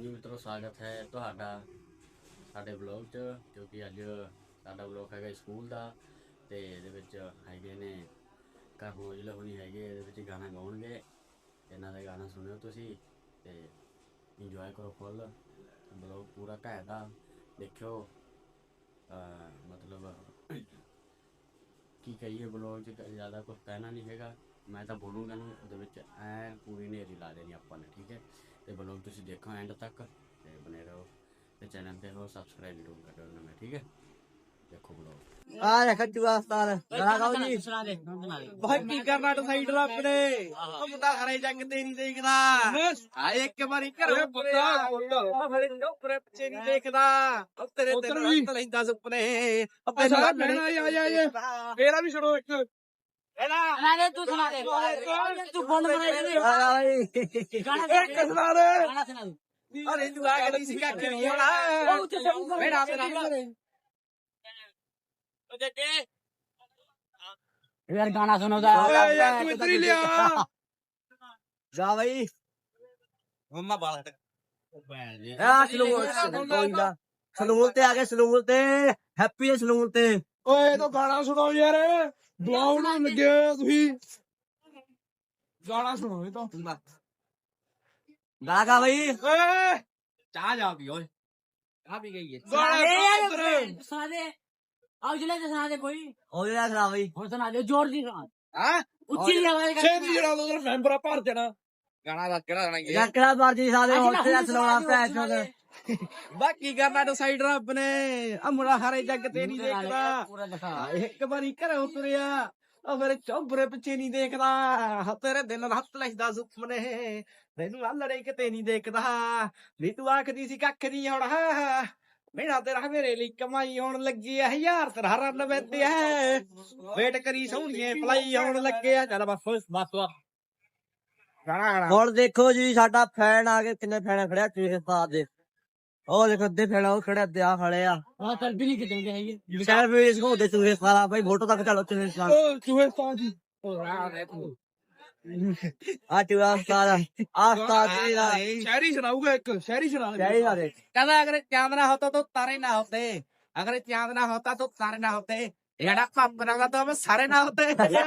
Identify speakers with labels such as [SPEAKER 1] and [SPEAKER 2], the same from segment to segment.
[SPEAKER 1] ਹਾਂਜੀ ਮਿੱਤਰੋ, ਸਵਾਗਤ ਹੈ ਤੁਹਾਡਾ ਸਾਡੇ ਵਲੌਗ 'ਚ। ਕਿਉਂਕਿ ਅੱਜ ਸਾਡਾ ਵਲੌਗ ਹੈਗਾ ਸਕੂਲ ਦਾ, ਤੇ ਇਹਦੇ ਵਿੱਚ ਹੈਗੇ ਨੇ ਘਰ ਮੌਜੂਦ ਹੋਣੀ ਹੈਗੇ। ਇਹਦੇ ਵਿੱਚ ਗਾਣਾ ਗਾਉਣਗੇ, ਇਹਨਾਂ ਦਾ ਗਾਣਾ ਸੁਣਿਓ ਤੁਸੀਂ ਤੇ ਇੰਜੋਏ ਕਰੋ ਫੁੱਲ। ਵਲੌਗ ਪੂਰਾ ਘੈਂਟ ਆ, ਦੇਖਿਓ। ਮਤਲਬ ਕੀ ਕਹੀਏ, ਵਲੌਗ 'ਚ ਜ਼ਿਆਦਾ ਕੁਝ ਕਹਿਣਾ ਨਹੀਂ ਹੈਗਾ। ਮੈਂ ਤਾਂ ਬੋਲੂੰਗਾ ਨਹੀਂ, ਉਹਦੇ ਵਿੱਚ ਐ ਪੂਰੀ ਨੇਰੀ ਲਾ ਦੇਣੀ ਆਪਾਂ ਨੇ, ਠੀਕ ਹੈ। ਤੇ ਵਲੌਗ ਤੁਸੀਂ ਦੇਖੋ ਐਂਡ ਤੱਕ ਤੇ ਬਣੇ ਰਹੋ, ਤੇ ਚੈਨਲ ਤੇ ਹੋ ਸਬਸਕ੍ਰਾਈਬ ਜ਼ਰੂਰ ਕਰ ਦੇਣਾ, ਮੈਂ ਠੀਕ ਹੈ। ਦੇਖੋ ਵਲੌਗ।
[SPEAKER 2] ਆ ਦੇਖ ਜੂਆ ਉਸਤਾਦ ਗਾਣਾ ਗਾਓ ਜੀ।
[SPEAKER 3] ਭਾਈ ਕੀ ਕਰਨਾ ਡਿਸਾਈਡ ਰੱਬ ਨੇ। ਉਹ ਮੁੰਡਾ ਖਰੇ ਜੰਗ ਤੇ ਨਹੀਂ ਦੇਖਦਾ। ਆ ਇੱਕ ਵਾਰੀ ਘਰੋਂ ਪੁੱਤਾ ਆ ਫੜੇ ਚੋਪਰੇ ਪਿੱਛੇ ਨਹੀਂ ਦੇਖਦਾ। ਉਹ ਤੇਰੇ ਤੇ ਰੱਤ ਲੈਂਦਾ ਸੁਪਨੇ। ਅੱਬੇ ਸਾਰਾ ਬਹਿਣਾ ਆ ਫੇਰਾ ਵੀ ਛੜੋ ਇੱਕ
[SPEAKER 4] ਨਾਲੇ ਤੂੰ ਸੁਣਾ ਦੇ ਤੂੰ ਬੋਲ ਬਣਾਈ ਦੇ
[SPEAKER 3] ਇੱਕ ਸੁਣਾ ਦੇ।
[SPEAKER 4] ਗਾਣਾ ਸੁਣਾ ਦੇ
[SPEAKER 3] ਅਰੇ ਤੂੰ ਆ ਗਈ ਸੀ ਕੱਖ ਨਹੀਂ ਹੋਣਾ।
[SPEAKER 4] ਉਹ ਤੇ ਸਭ
[SPEAKER 3] ਮੇਰਾ ਮੇਰਾ
[SPEAKER 4] ਉਹ ਜੱਗੇ ਯਾਰ ਗਾਣਾ ਸੁਣਾਉਂਦਾ
[SPEAKER 3] ਤੂੰ ਇੱਧਰ ਹੀ ਲਿਆ
[SPEAKER 2] ਜਾ ਬਈ
[SPEAKER 3] ਮੰਮਾ ਬਾਲ
[SPEAKER 2] ਆ ਸਲੂਨ ਤੇ ਆ ਗਏ, ਸਲੂਨ ਤੇ ਹੈਪੀ ਦੇ ਸਲੂਨ ਤੇ।
[SPEAKER 3] ਓਏ ਤੂੰ ਗਾਣਾ ਸੁਣਾਓ ਯਾਰ। ਬੁਲਾਉਣ ਨੂੰ ਲੱਗੇ ਤੁਸੀਂ ਗਾਣਾ ਸੁਣਾਓ ਇਹ ਤਾਂ।
[SPEAKER 2] ਗਾਣਾ ਗਾ ਬਈ।
[SPEAKER 3] ਓਏ
[SPEAKER 4] ਚਾਹ ਜਾ ਪੀ ਓਏ ਚਾਹ ਪੀ ਗਈ
[SPEAKER 3] ਗਾਣਾ
[SPEAKER 4] ਸੁਣਾ ਦੇ ਆਉ ਜਲੇ ਤੇ ਸੁਣਾ ਦੇ ਕੋਈ
[SPEAKER 2] ਉਹ ਜਿਹੜਾ ਸੁਣਾ ਬਈ।
[SPEAKER 4] ਹੋਰ ਸੁਣਾ ਦੇ ਜ਼ੋਰ ਦੀ ਸੁਣਾ
[SPEAKER 3] ਹਾਂ
[SPEAKER 4] ਉੱਚੀ ਆਵਾਜ਼ ਕਰ
[SPEAKER 3] ਛੇਤੀ ਜਿਹੜਾ ਉਧਰ ਮੈਂਬਰ ਭਰ ਜਾਣਾ। ਗਾਣਾ ਦਾ ਕਿਹੜਾ ਗਾਣਾ
[SPEAKER 2] ਜਾਂ ਕਿਹੜਾ ਮਰਜੀ ਸਾਡੇ ਹੋਟਲ ਦਾ ਸੁਣਾਉਣਾ ਭੈਣ ਚੋਦ।
[SPEAKER 3] ਬਾਕੀ ਕਰਨਾ ਡਿਸਾਈਡ ਰੱਬ ਨੇ। ਅਮਰਾ ਹਾਰੇ ਜੱਗ ਤੇ ਨਹੀਂ ਦੇਖਦਾ।
[SPEAKER 4] ਪੂਰਾ ਦਿਖਾ
[SPEAKER 3] ਇੱਕ ਵਾਰੀ ਘਰੋਂ ਤੁਰਿਆ ਉਹ ਮੇਰੇ ਚੌਬਰੇ ਪਿੱਛੇ ਨਹੀਂ ਦੇਖਦਾ। ਤੇਰੇ ਦਿਲ ਰੱਤ ਲੈਂਦਾ ਸੁਪਨੇ। ਤੈਨੂੰ ਆਲੜੇ ਕਿਤੇ ਨਹੀਂ ਦੇਖਦਾ। ਵੀ ਤੂੰ ਆਖਦੀ ਸੀ ਕੱਖ ਨਹੀਂ ਹੋਣਾ। ਮੇਰਾ ਤੇਰਾ ਮੇਰੇ ਲਈ ਕਮਾਈ ਹੋਣ ਲੱਗੀ ਐ। 1000 ਤੇਰਾ ਰਨ ਵੈਦੇ ਐ। ਵੇਟ ਕਰੀ ਸੋਹਣੀਏ ਪਲਾਈ ਹੋਣ ਲੱਗਿਆ। ਚੱਲ ਬਸ ਗਾਣਾ
[SPEAKER 2] ਹੁਣ ਦੇਖੋ ਜੀ, ਸਾਡਾ ਫੈਨ ਆ ਕੇ ਕਿੰਨੇ ਫੈਨ ਖੜਿਆ ਚੂਹੇ ਉਸਤਾਦ ਦੇ। ਉਹ ਦੇਖੋ ਅੱਧੇ ਫੈਨ ਉਹ ਖੜੇ ਅੱਧੇ ਆ ਖੜੇ ਆ।
[SPEAKER 4] ਹਾਂ ਚੱਲ ਵੀ ਨਹੀਂ ਕਿਤੇ ਹੈਗੀ
[SPEAKER 2] ਸ਼ਹਿਰ ਵੀ ਘੁੰਮਦੇ ਚੂਹੇ ਸਾਰਾ ਬਈ। ਫੋਟੋ ਤੱਕ ਚਲੋ ਚੂਹੇ ਉਸਤਾਦ।
[SPEAKER 3] ਓ ਚੂਹੇ ਤਾਂ ਜੀ
[SPEAKER 2] ਆ ਚੂਹਾ ਉਸਤਾਦ ਆ ਉਸਤਾਦ ਜੀ ਦਾ
[SPEAKER 3] ਸ਼ਾਇਰੀ ਸੁਣਾਊਗਾ ਇੱਕ ਸ਼ਾਇਰੀ ਸੁਣਾ
[SPEAKER 2] ਸਹੀ ਗੱਲ ਹੈ।
[SPEAKER 3] कहता अगर चांद ना होता तो तारे ना होते। अगर चांद ना होता तो तारे ना होते। एड़ा पाप बनागा तो हम सारे ना होते।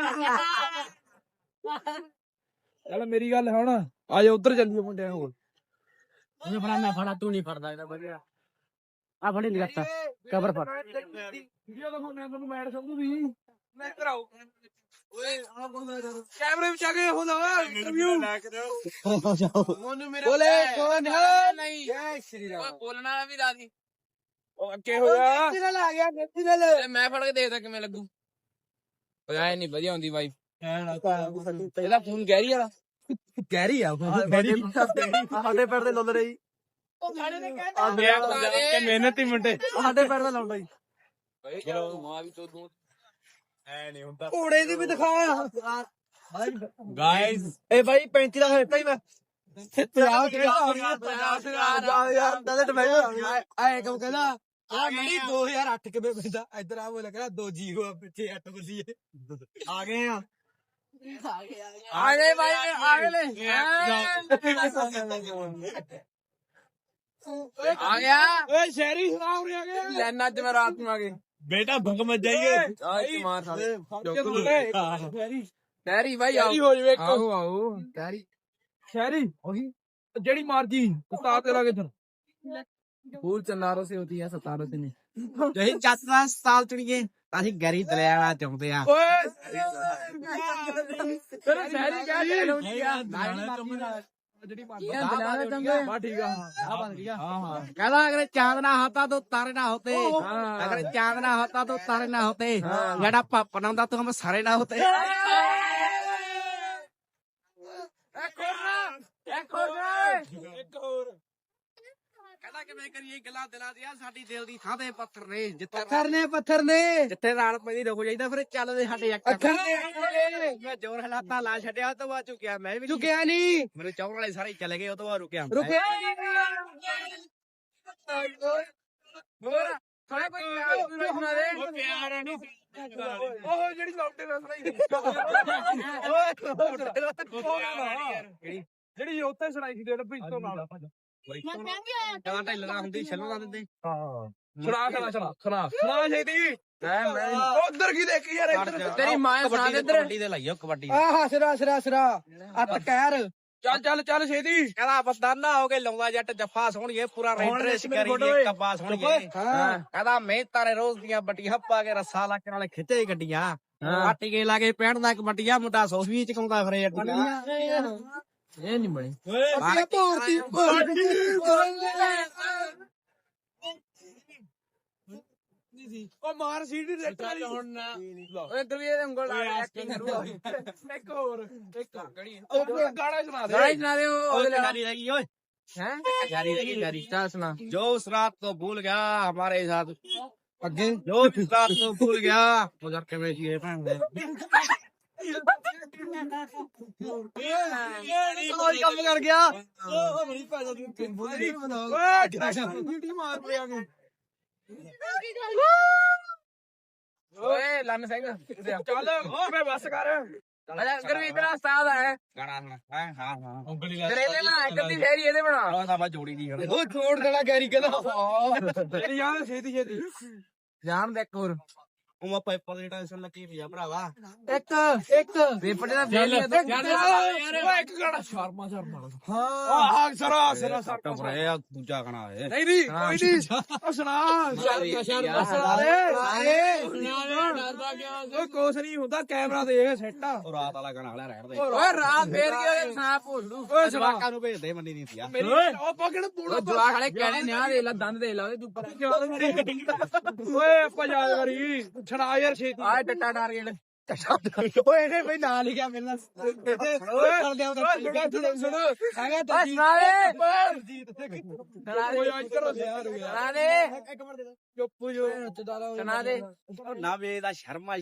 [SPEAKER 3] चल मेरी गल है ना आ जा उधर चलिए मुंडे कोल।
[SPEAKER 4] ਉਹਨੇ ਫੜਾ ਮੈਂ ਫੜਾ ਤੂੰ ਨਹੀਂ ਫੜਦਾ ਇਹਦਾ ਵਧੀਆ ਆ ਫੜੀ ਨਹੀਂ ਕਰਤਾ ਕਬਰ ਫੜ
[SPEAKER 3] ਵੀਡੀਓ ਦਿਖਾਉਣਾ ਤੁਹਾਨੂੰ ਮੈਡ ਸਮਝੂ ਵੀ ਮੈਂ ਕਰਾਉ ਓਏ ਆ ਕੈਮਰੇ ਵਿੱਚ ਆ ਕੇ ਹੋ ਜਾ ਇੰਟਰਵਿਊ ਲੈ ਕੇ ਦਿਓ ਮੋਨੂ ਮੇਰੇ ਬੋਲੇ ਕੌਣ ਹੈ ਨਹੀਂ ਜੈ ਸ਼੍ਰੀ ਰਾਮ ਬੋਲਣਾ ਵੀ ਰਾਜੀ ਉਹ ਅੱਗੇ ਹੋ ਜਾ ਕਿਹੜਾ ਲਾ ਗਿਆ ਗੱਡੀ ਨਾਲ ਮੈਂ ਫੜ ਕੇ ਦੇਖਦਾ ਕਿਵੇਂ ਲੱਗੂ ਓਏ ਐ ਨਹੀਂ ਵਧੀਆ ਹੁੰਦੀ ਵਾਈਫ ਇਹਦਾ ਫੋਨ ਗੈਰੀ ਵਾਲਾ
[SPEAKER 2] ਗਹਿਰੀ ਆ ਸਾਡੇ ਪੈਰ ਤੇ ਲਾਉਂਦੇ ਰਹੀ।
[SPEAKER 3] ਉਹ ਸਾਡੇ ਨੇ ਕਹਿੰਦਾ ਮਿਹਨਤੀ ਮੁੰਡੇ
[SPEAKER 2] ਸਾਡੇ ਪੈਰ ਤੇ ਲਾਉਂਦਾ ਜੀ।
[SPEAKER 3] ਚਲੋ ਮਾਂ ਵੀ ਤੋਂ ਦੂੰ ਐ ਨਹੀਂ ਹੁੰਦਾ
[SPEAKER 2] ਘੋੜੇ ਦੀ ਵੀ ਦਿਖਾ
[SPEAKER 3] ਗਾਇਸ
[SPEAKER 2] ਇਹ ਬਾਈ 35 ਦਾ ਦਿੱਤਾ ਹੀ ਮੈਂ 50 ਯਾਰ ਦਲਟ ਮੈਂ
[SPEAKER 3] ਆਏ ਕਿਉਂ ਕਹਿੰਦਾ ਆ ਗਈ 2008 ਕਿਵੇਂ ਪੈਂਦਾ ਇੱਧਰ ਆ ਬੋਲ ਕਹਿੰਦਾ 2 ਜੀਰੋ ਪਿੱਛੇ 8 ਬਸੀਏ
[SPEAKER 2] ਆ ਗਏ ਆ।
[SPEAKER 3] ਆ ਗਏ ਭਾਈ ਆ ਗਏ ਲੈ ਆ ਗਿਆ ਓਏ ਸ਼ਹਿਰੀ ਸੁਣਾ ਉਰੇ ਆ ਗਏ ਲੈਣਾ ਅੱਜ ਮੈਂ ਰਾਤ ਨੂੰ ਆ ਗਏ ਬੇਟਾ ਭੰਗ ਮਤ ਜਾਈਏ ਆਏ ਮਾਰ ਸਾਲੇ ਸ਼ਹਿਰੀ ਭਾਈ ਆਓ ਹੋ ਜਵੇ ਆਓ ਆਓ ਸ਼ਹਿਰੀ ਉਹੀ ਜਿਹੜੀ ਮਰਜੀ ਉਸਤਾਦ ਤੇਰਾ ਕਿੱਧਰ फूल चन्नारों से होती है सतारों से नहीं जही चाचा साल चुनिए ਅਸੀਂ ਗਰੀ ਦਰਿਆਣਾ ਚਾਹੁੰਦੇ ਆ ਓਏ ਤੇਰਾ ਸ਼ਹਿਰੀ ਕਿਆ ਚਾਹੁੰਦੀ ਆ ਜਿਹੜੀ ਬਾ ਠੀਕ ਆ ਹਾਂ ਕਹਿੰਦਾ ਅਗਰ ਚਾਂਦ ਨਾ ਹੋਤਾ तो तारे ना होते अगर चांद ना होता तो तारे ना होते ਜਿਹੜਾ ਪਾਪਾ ਨਾ ਹੁੰਦਾ तो हम सारे ना होते ਇੱਕ ਹੋਰ ਕਹਿੰਦਾ ਕਿਵੇਂ ਕਰੀਏ ਗੱਲਾਂ ਦਿਲਾਂ ਦੀਆਂ ਸਾਡੀ ਦਿਲ ਦੀ ਥਾਂ ਤੇ ਪੱਥਰ ਨੇ ਪੱਥਰ ਨੇ ਜਿੱਥੇ ਰਾਲ ਪੈਂਦੀ ਰੁਕ ਜਾਈਦਾ ਫਿਰ ਚੱਲਦੇ ਸਾਡੇ ਅੱਖਰ ਨੇ ਮੈਂ ਜ਼ੋਰ ਹਲਾਤਾ ਲਾ ਛੱਡਿਆ ਉਹ ਤੋਂ ਬਾਅਦ ਝੁਕਿਆ ਮੈਂ ਵੀ ਝੁਕਿਆ ਨਹੀਂ ਮੇਰੇ ਚੌਰ ਵਾਲੇ ਸਾਰੇ ਚਲੇ ਗਏ ਉਹ ਤੋਂ ਬਾਅਦ ਰੁਕਿਆ ਹੋਰ ਥੋੜਾ ਕੋਈ ਸੁਣਾ ਦੇ ਪਿਆਰ ਨਹੀਂ ਉਹ ਜਿਹੜੀ ਲੌਟੇ ਨਾਲ ਸੁਣਾਈ ਜਿਹੜੀ ਉੱਥੇ ਸੁਣਾਈ ਸੀ ਡੱਬੀ ਤੋਂ ਨਾਲ ਜਾਂ ਢਿੱਲਣਾ ਹੁੰਦੀ ਛੱਲਣਾ ਦਿੰਦੇ ਸੁਣਾ ਛੇਤੀ ਉਧਰ ਕੀ ਦੇਖੀ ਯਾਰ ਤੇਰੀ ਮਾਂ ਸੁਣਾ ਦੇ ਇੱਧਰ
[SPEAKER 4] ਕਬੱਡੀ ਦੇ ਲਾਈਓ ਕਬੱਡੀ
[SPEAKER 3] ਆਹ ਸਿਰਾ ਅੱਤ ਕਹਿਰ ਚੱਲ ਛੇਤੀ ਕਹਿੰਦਾ ਬਸਦਾਨਾ ਹੋ ਕੇ ਲਾਉਂਦਾ ਜੱਟ ਜੱਫਾ ਸੋਹਣੀਏ ਪੂਰਾ ਰੈਂਟਰੇਸ ਕਰੀਏ ਕੱਬਾ ਸੋਹਣੀਏ ਕਹਿੰਦਾ ਮਿਹਨਤਾਂ ਨੇ ਰੋਜ਼ ਦੀਆਂ ਬੱਟੀਆਂ ਪਾ ਕੇ ਰੱਸਾ ਲਾ ਕੇ ਨਾਲੇ ਖਿੱਚੇ ਗੱਡੀਆਂ ਆਟੀ ਕੇ ਲਾ ਕੇ ਪੈਣ ਦਾ ਕਬੱਡੀਆਂ ਮੁੰਡਾ ਸੋਫੀ ਚਕਾਉਂਦਾ ਫਿਰੇ
[SPEAKER 4] ਇਹ ਨਹੀਂ ਬਣੀ
[SPEAKER 3] ਉਹ ਮਾਰ ਸੀਡੀ ਰੈਕਟਰ ਹੁਣ ਓਏ ਇੱਧਰ ਵੀ ਇਹ ਉਂਗਲ ਆ ਐਕਟਿੰਗ ਕਰੂਗਾ ਇੱਕ ਹੋਰ ਇੱਕ ਗਾਣਾ ਸੁਣਾ ਦੇ
[SPEAKER 4] ਉਹਦੇ ਲਈ ਰਹਿ ਗਈ ਓਏ
[SPEAKER 3] हैं
[SPEAKER 4] जारी रहेगी जारी स्टार सुना
[SPEAKER 3] जो उस रात को भूल गया हमारे साथ अगे जो उस रात को भूल गया उधर के बेची है
[SPEAKER 2] ਕੰਮ ਕਰ ਗਿਆ
[SPEAKER 3] ओए लन सिंह चल ओए बस कर अगर इतना उस्ताद है गाना है हां हां उंगली ला तेरे ना एक दी फेरी ਇਹਦੇ ਬਣਾ ਉਹ ਤਾਂ ਬਾ ਜੋੜੀ ਦੀ ਉਹ ਛੋੜ ਦੇਣਾ ਗੈਰੀ ਕਹਿੰਦਾ ਤੇਰੀ ਯਾਰ ਛੇਤੀ ਜਾਣ ਦੇ ਇੱਕ ਹੋਰ ਉਹ ਮੈਂ ਪੇਪਰ ਦੀ ਟੈਨਸ਼ਨ ਲੱਗੀ ਪਈ ਆ ਭਰਾਵਾ ਇੱਕ ਪੇਪਰ ਦਾ ਫੇਲ ਯਾਰ ਇੱਕ ਗਾਣਾ ਸ਼ਰਮਾ ਹਾਂ ਆਹ ਸਰਾ ਸੱਟ ਪਰੇ ਆ ਦੂਜਾ ਗਾਣਾ ਹੈ ਨਹੀਂ ਕੋਈ ਨਹੀਂ ਉਹ ਸੁਣਾ ਸੁਣਾ ਓਏ ਕੁਛ ਨਹੀਂ ਹੁੰਦਾ ਕੈਮਰਾ ਦੇਖ ਸੈੱਟ ਆ ਉਹ ਰਾਤ ਵਾਲਾ ਗਾਣਾ ਹਲਾ ਰਹਿਣ ਦੇ ਓਏ ਰਾਤ ਫੇਰ ਕੀ ਸੁਣਾ ਭੁੱਲ ਲੂ ਓਏ ਜਵਾਕਾਂ ਨੂੰ ਭੇਜਦੇ ਮੰਨੀ ਨਹੀਂ ਸੀ ਉਹ ਪਕੜ ਪੂੜਾ ਜਵਾਕ ਵਾਲੇ ਕਹਿਣੇ ਨਿਆ ਦੇ ਲਾ ਦੰਦ ਦੇ ਲਾ ਉਹਦੇ ਉੱਪਰ ਓਏ ਆਪਾਂ ਯਾਦ ਕਰੀ ਛੜਾ ਯਾਰ ਛੇਤੀ ਆ ਟੱਟਾ ਡਾਰ ਗੇੜ ਓਏ ਇਹ ਬਈ ਨਾਲ ਲਿਖਿਆ ਮੇਰੇ ਨਾਲ ਸੁਣੋ ਹੈਗਾ ਤਾਂ ਸੁਣਾ ਓਏ ਅੱਜ ਕਰੋ ਯਾਰ ਸੁਣਾ ਦੇ ਇੱਕ ਮਿੰਟ ਦੇ ਚੁੱਪ ਜੋ ਸੁਣਾ ਦੇ ਨਾ ਵੇ ਦਾ ਸ਼ਰਮਾ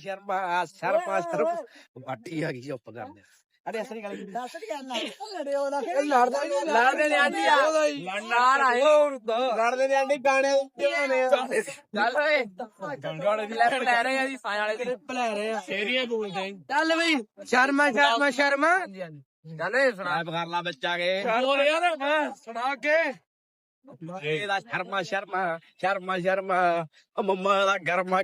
[SPEAKER 3] ਬਾਟੀ ਆ ਗਈ ਚੁੱਪ ਕਰ ਦੇ ਅਰੇ ਅਸਲੀ ਗੱਲ ਦੱਸ ਕੀ ਕਰਨਾ ਲੜਦੇ ਨੇ ਆਂਟੀ ਆ ਲੜਨਾਰ ਆਏ ਲੜਦੇ ਨੇ ਆਂਟੀ ਗਾਣੇ ਚੱਲ ਓਏ ਗਾਣੇ ਦੀ ਲੈਪ ਲੈ ਰਹੇ ਆ ਜੀ ਸਾਂ ਵਾਲੇ ਤੇ ਲੈ ਰਹੇ ਆ ਸ਼ੇਰੀਆਂ ਬੋਲਦੇ ਚੱਲ ਬਈ ਸ਼ਰਮਾ ਚੱਲ ਏ ਸੁਣਾ ਕਰ ਲਾ ਬੱਚਾ ਕੇ ਬੋਲ ਯਾਰ ਸੁਣਾ ਕੇ ਇਹਦਾ ਸ਼ਰਮਾ ਉਹ ਮੰਮਾ ਦਾ ਗਰਮਾ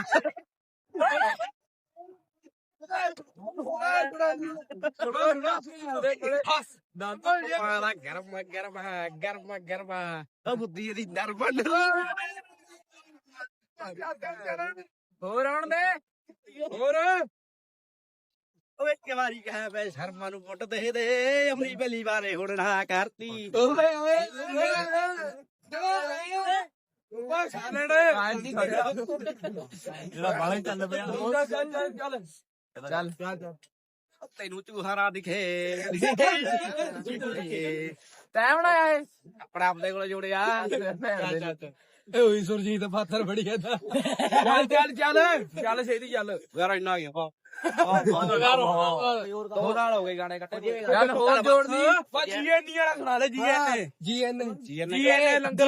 [SPEAKER 3] ਗਰਮਾ ਬੁੱਧੀ ਇਹਦੀ ਨਰਮਨ ਹੋਰ ਆਉਣ ਦੇ ਹੋਰ ਉਹ ਇੱਕ ਵਾਰੀ ਕਹਿ ਬੈ ਸ਼ਰਮਾ ਨੂੰ ਪੁੱਟ ਦੇ ਆਪਣੀ ਪਹਿਲੀ ਵਾਰੇ ਹੁਣ ਨਾ ਕਰਤੀ ਓਏ ਓਏ ਜਿਹੜਾ ਬਾਲੇ ਚੱਲ ਪਿਆ ਚੱਲ ਤੈਨੂੰ ਚੂਹਾਰਾ ਦਿਖੇ ਟਾਈਮ ਨਾ ਆਏ ਆਪਣਾ ਆਪਦੇ ਕੋਲ ਜੋੜਿਆ ਇਹ ਹੋਈ ਸੁਰਜੀਤ ਪਾਥਰ ਫੜੀ ਜਾਂਦਾ ਚੱਲ ਛੇਤੀ ਚੱਲ ਯਾਰ ਇੰਨਾ ਗਿਆ ਦੋ ਨਾਲ ਹੋ ਗਏ ਗਾਣੇ ਕੱਟੇ ਚੱਲ ਹੋਰ ਜੋੜਦੀ ਜੀਐਨਏ ਵਾਲਾ ਸੁਣਾ ਲੈ ਜੀਐਨਏ ਲੰਗਰ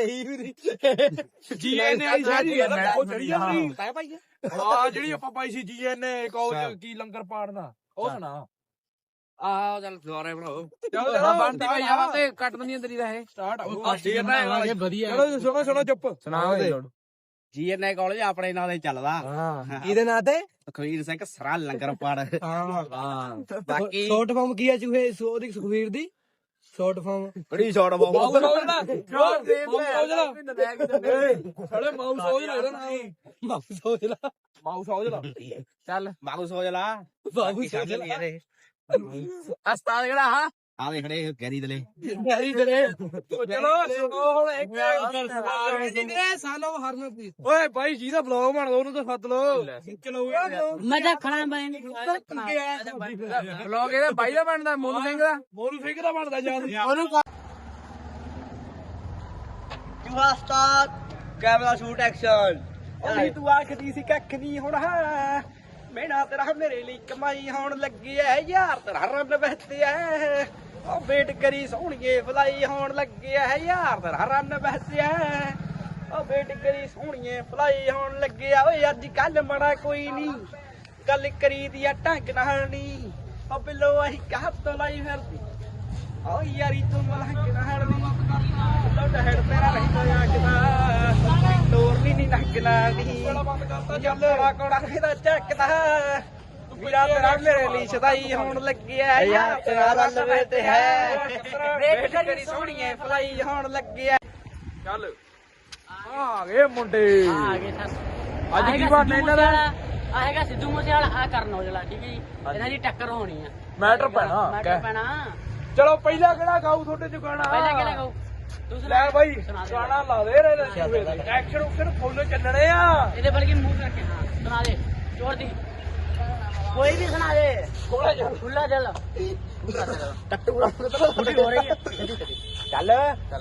[SPEAKER 3] ਜੀਐਨਏ ਆਈ ਸਾਰੀ ਉਹ ਚੜੀ ਜਾਂਦੀ ਤੈ ਭਾਈ ਹਾਂ ਜਿਹੜੀ ਆਪਾਂ ਪਾਈ ਸੀ ਜੀਐਨਏ ਕਾਲਜ ਕੀ ਲੰਗਰ ਪਾੜਦਾ ਉਹ ਸੁਣਾ ਆਹ ਚੱਲ ਦੁਆਰੇ ਬਣਾਓ ਚੱਲ ਬਣਦੀ ਪਈ ਆ ਤੇ ਕੱਟ ਦਨੀ ਤੇਰੀ ਦਾ ਇਹ ਸਟਾਰਟ ਹੋ ਜੀਐਨਏ ਵਧੀਆ ਚਲੋ ਸੁਣੋ ਚੁੱਪ ਸੁਣਾਓ ਦੇ ਜੀਐਨਏ ਕਾਲਜ ਆਪਣੇ ਨਾਂ ਤੇ ਚੱਲਦਾ ਹਾਂ ਕਿਹਦੇ ਨਾਂ ਤੇ ਸੁਖਵੀਰ ਸਿੰਘ ਸਰਾ ਲੰਗਰ ਪਾੜ ਹਾਂ ਬਾਕੀ ਸ਼ਾਰਟ ਫਾਰਮ ਕੀ ਆ ਚੂਹੇ ਸੋਦੀ ਸੁਖਵੀਰ ਦੀ ਸ਼ਾਰਟ ਫਾਰਮ ਬੜੀ ਸ਼ਾਰਟ ਫਾਰਮ ਚੱਲ ਮਾਊਸ ਹੋ ਜਲਾ ਅਸਤਾਦ ਕਿਹੜਾ ਹਾਂ ਆ ਵੇ ਖੜੇ ਗੈਰੀ ਦਲੇ ਚਲੋ ਹੁਣ ਇੱਕ ਸਾਲੋ ਹਰਮਨਪ੍ਰੀਤ ਓਏ ਭਾਈ ਜੀ ਦਾ ਬਲੌਗ ਬਣਾ ਲਓ ਉਹਨੂੰ ਤਾਂ ਸੱਦ ਲਓ ਚਲੋ
[SPEAKER 4] ਮੈਂ ਤਾਂ ਖੜਾ ਬਣ
[SPEAKER 3] ਬਲੌਗ ਇਹਦਾ ਬਾਈ ਦਾ ਬਣਦਾ ਮੋਨੂ ਸਿੰਘ ਦਾ ਬਣਦਾ ਜਾਨ ਉਹਨੂੰ
[SPEAKER 2] ਚੂਹਾ ਸਟਾਰਟ ਕੈਮਰਾ ਸ਼ੂਟ ਐਕਸ਼ਨ
[SPEAKER 3] ਉਹ ਤੂੰ ਆਖਦੀ ਸੀ ਕੱਖ ਨਹੀਂ ਹੁਣ ਹੈ ਮੇਰਾ ਤੇਰਾ ਮੇਰੇ ਲਈ ਕਮਾਈ ਹੋਣ ਲੱਗੀ ਐ ਯਾਰ ਤੇਰਾ ਰੰਨ ਬਹਿਤੇ ਐ ਉਹ ਵੇਟ ਕਰੀ ਸੋਹਣੀਏ ਫਲਾਈ ਹੋਣ ਲੱਗੀ ਐ ਯਾਰ ਤੇਰਾ ਰੰਨ ਬਹਿਤੇ ਐ ਉਹ ਵੇਟ ਕਰੀ ਸੋਹਣੀਏ ਫਲਾਈ ਹੋਣ ਲੱਗੇ ਆ ਓਏ ਅੱਜ ਕੱਲ ਮੜਾ ਕੋਈ ਨਹੀਂ ਗੱਲ ਕਰੀ ਦੀ ਆ ਢੰਗ ਨਾਲ ਨਹੀਂ ਉਹ ਬਿੱਲੋ ਅਸੀਂ ਕਾਹ ਤੋਂ ਲਾਈ ਫਿਰਦੀ ਓ ਯਾਰੀ ਤੂੰ ਮਲਹੰਗ ਨਾ ਹੜਦੀ ਲੋਟਾ ਹੈਡ ਤੇਰਾ ਨਹੀਂ ਹੋਇਆ ਕਿਦਾ ਤੋਰ ਨਹੀਂ ਨੱਕਣਾ ਨਹੀਂ ਚੱਲ ਕੋੜਾ ਕੋੜਾ ਇਹਦਾ ਚੱਕਦਾ ਵੀਰਾ ਤੇਰਾ ਮੇਰੇ ਲਈ ਸਦਾਈ ਹੋਣ ਲੱਗਿਆ
[SPEAKER 2] ਯਾਰ ਤੇਰਾ ਰਲਵੇ ਤੇ ਹੈ
[SPEAKER 3] ਵੇਖ ਕਰੀ ਸੋਹਣੀਏ ਫਲਾਈ ਹੋਣ ਲੱਗਿਆ ਚੱਲ ਆ ਗਏ ਮੁੰਡੇ
[SPEAKER 4] ਆ ਗਏ ਸਰ
[SPEAKER 3] ਅੱਜ ਕੀ ਬਣਨਾ ਇਹਨਾਂ ਦਾ
[SPEAKER 4] ਆਏਗਾ ਸਿੱਧੂ ਮੂਸੇਵਾਲਾ ਆ ਕਰਨ ਔਜਲਾ ਠੀਕ ਹੈ ਜੀ ਇਹਨਾਂ ਦੀ ਟੱਕਰ ਹੋਣੀ ਆ
[SPEAKER 3] ਮੈਟਰ ਪੈਣਾ
[SPEAKER 4] ਮੈਟਰ ਪੈਣਾ
[SPEAKER 3] ਚਲੋ ਪਹਿਲਾ ਕਿਹੜਾ ਗਾਉ ਤੁਹਾਡੇ ਚ ਗਾਣਾ
[SPEAKER 4] ਪਹਿਲਾਂ ਕਿਹੜਾ ਗਾਉ ਤੂੰ ਸੁਣਾ
[SPEAKER 3] ਲੈ ਬਾਈ
[SPEAKER 4] ਸੁਣਾ ਦੇ।
[SPEAKER 3] ਗਾਣਾ ਲਾ ਦੇ ਐਕਸ਼ਨ ਉਕਸ਼ਨ ਫੁੱਲ ਚੱਲਣੇ ਆ
[SPEAKER 4] ਇਹਦੇ ਬਲਕਿ ਮੂੰਹ ਕਰਕੇ ਹਾਂ ਸੁਣਾ ਦੇ ਜ਼ੋਰ ਦੀ ਕੋਈ ਵੀ ਸੁਣਾ ਦੇ ਖੁੱਲਾ ਦਿਲ ਟੱਟੂ ਪੂਰੀ ਹੋ ਰਹੀ ਹੈ
[SPEAKER 3] ਚੱਲ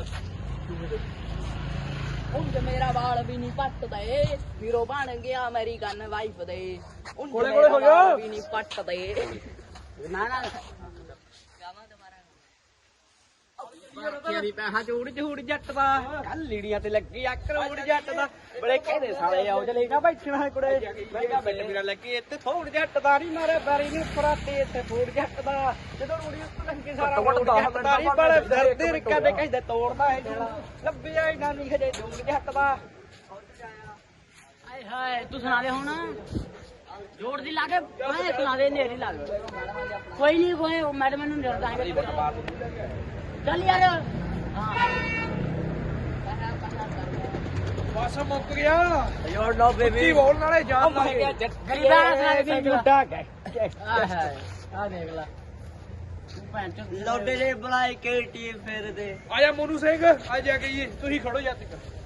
[SPEAKER 5] ਉਂਝ ਮੇਰਾ ਵਾਲ ਵੀ ਨਹੀਂ ਪੱਟਦੇ ਵੀਰੋ ਬਣ ਗਿਆ ਅਮਰੀਕਨ ਵਾਈਫ ਦੇ ਉਂਝ
[SPEAKER 3] ਕੋਲੇ
[SPEAKER 5] ਮੇਰਾ
[SPEAKER 3] ਹੋ ਜਾ।
[SPEAKER 5] ਵਾਲ ਵੀ ਨਹੀਂ ਪੱਟਦੇ
[SPEAKER 4] ਨਾ ਨਾ
[SPEAKER 3] ਬਾਕੀਆਂ ਦੀ ਪੈਸਾ ਚੂੜ ਝੂੜ ਜੱਟ ਦਾ ਕੱਲ ਲੀੜੀਆਂ ਤੇ ਲੱਗੀ ਆ ਕਰੋੜ ਜੱਟ ਦਾ ਬੜੇ ਕਹਿੰਦੇ ਸਾਲੇ ਆਓ ਜਲੇਗਾ ਬੈਠਣਾ ਕੁੜੇ ਮੈਂ ਕਿਹਾ ਬਿੱਟ ਵੀਰਾ ਲੱਗੀ ਇੱਥੇ ਥੋੜ ਜੱਟ ਦਾ ਨਹੀਂ ਮਾਰੇ ਬਾਰੀ ਨੂੰ ਫਰਾਟੇ ਇੱਥੇ ਫੋੜ ਜੱਟ ਦਾ ਜਦੋਂ ਰੂੜੀ ਉੱਤੇ ਲੰਗੇ ਸਾਰਾ ਫੋੜ ਜੱਟ ਦਾ ਨਹੀਂ ਬੜੇ ਫਿਰਦੇ ਰਿੱਕਾ ਦੇ ਕਹਿੰਦੇ ਤੋੜਦਾ ਹੈ ਲੱਭਿਆ ਇਹਨਾਂ ਨਹੀਂ ਹਜੇ ਜੂੜ ਜੱਟ ਦਾ
[SPEAKER 4] ਆਏ ਹਾਏ ਤੂੰ ਸੁਣਾ ਦੇ ਹੁਣ ਜੋੜ ਦੀ ਲਾ ਕੇ ਮੈਂ ਸੁਣਾ ਦੇ ਨੇਰੀ ਲਾ ਕੇ ਕੋਈ ਨਹੀਂ ਕੋਈ ਮੈਡਮ ਨੂੰ ਡਰਦਾ ਚੱਲ ਯਾਰ ਹਾਂ
[SPEAKER 3] ਬਸ ਮੁੱਕ ਗਿਆ
[SPEAKER 2] ਯੋਰ ਲੋ
[SPEAKER 3] ਕੀ ਬੋਲਣ ਵਾਲੇ ਜਾਨ ਲੱਗੇ
[SPEAKER 4] ਗਰੀਬਾਂ ਦਾ ਸੁਣਾ ਦੇ
[SPEAKER 3] ਲੁੱਟਾ ਗਏ
[SPEAKER 4] ਆ ਦੇਖ ਲੈ ਤੂੰ ਭੈਣ ਚੋਦ
[SPEAKER 2] ਲੋਡੇ ਦੇ ਬੁਲਾਏ ਕੇ ਟੀਮ ਫੇਰਦੇ
[SPEAKER 3] ਆਜਾ ਮੋਨੂ ਸਿੰਘ ਆ ਜਾ ਕੇ ਤੁਸੀਂ ਖੜੋ ਜਾ ਤੱਕ